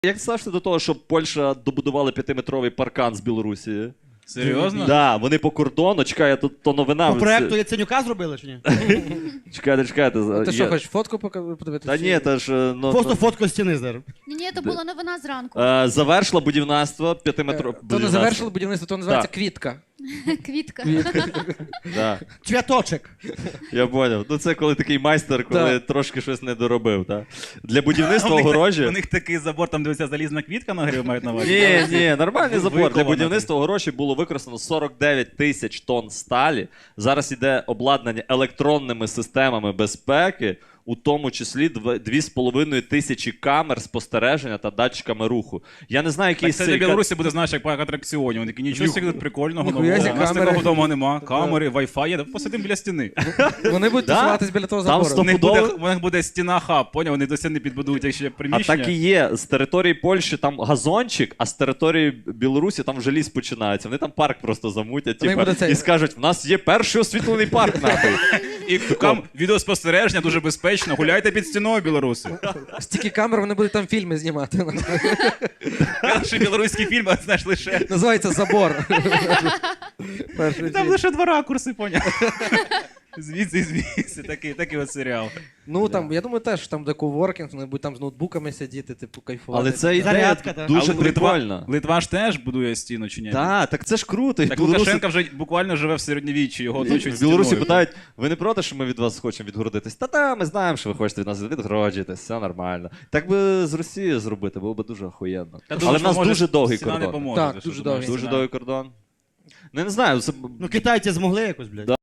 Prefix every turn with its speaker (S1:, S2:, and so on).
S1: Як ти ставишся до того, щоб Польща добудувала 5-метровий паркан з Білорусі?
S2: Серйозно?
S1: Так, да, вони по кордону, чекай, тут то новина.
S3: По проекту Яценюка зробили чи ні?
S1: Чекайте.
S4: Ти що, хочеш фотку подивитися?
S1: Та ні, та ж...
S3: Просто фотку стіни зараз.
S5: Ні, це була новина зранку.
S1: Завершила будівництво 5-метрового...
S4: То не завершили будівництво, то називається квітка.
S5: Квітка.
S1: Да.
S3: Цвяточок.
S1: Я поняв. Ну це коли такий майстер, коли трошки щось не доробив, так? Для будівництва огорожі...
S2: У них такий забор, там дивиться залізна квітка на грі, мають на увазі.
S1: Ні, нормальний забор. Для
S2: Виковано.
S1: будівництва огорожі було використано 49 тисяч тонн сталі. Зараз іде обладнання електронними системами безпеки, у тому числі 2,5 тисячі камер спостереження та датчиками руху. Я не знаю, який
S2: Так це для Білорусі буде, знаєш, як парк атракціонів. Вони такі, нічого собі тут прикольного.
S4: Ніхуя
S2: нового.
S4: зі
S2: У нас
S4: камери.
S2: такого вдома нема. Камери, Wi-Fi є, посидимо біля стіни.
S4: Вони будуть
S1: Да?
S4: тусуватись біля того
S1: Там
S4: забору.
S1: стоп-
S2: У них буде стіна хаб, поняв? Вони досі не підбудують як ще
S1: А
S2: приміщення.
S1: так і є. З території Польщі там газончик, а з території Білорусі там вже ліс починається. Вони там парк просто замутять
S4: Вони
S1: типу,
S4: будуть цей-
S1: і скажуть, в нас є перший освітлений парк нахуй.
S2: І там відеоспостереження дуже безпечно. Гуляйте під стіною, білоруси.
S4: Стільки камер, вони будуть там фільми знімати.
S2: Перший білоруський фільм, а знаєш, лише...
S4: Називається «Забор». Перший
S2: Там
S4: фільм.
S2: лише 2 ракурси, поняв? Звідси, такий от серіал.
S4: Ну, там, я думаю, теж там де коворкінг, вони будуть там з ноутбуками сидіти, типу, кайфувати.
S1: Але це ідея
S3: Зарядка, та.
S1: дуже
S2: Але
S1: прикольна.
S2: Литва ж теж будує стіну, чи ні?
S1: Так це ж круто. І
S2: Так
S1: білоруси-
S2: Лукашенко вже буквально живе в середньовіччі, його оточують
S1: В Білорусі
S2: стіною.
S1: питають, ви не проти, що ми від вас хочемо відгородитись? Та, ми знаємо, що ви хочете від нас відгороджитись, все нормально. Так би з Росією зробити, було б дуже охуєнно.
S2: Я
S1: Але
S2: думаю,
S1: в нас
S2: що, може,
S1: дуже довгий
S2: стіна не
S1: кордон.
S2: поможе,
S4: Так,
S2: ти що
S4: дуже
S2: думаєш,
S4: довгий.
S1: Дуже
S2: стіна?
S1: довгий кордон. Ну, я не знаю, це...
S3: Ну китайці змогли якось, блядь.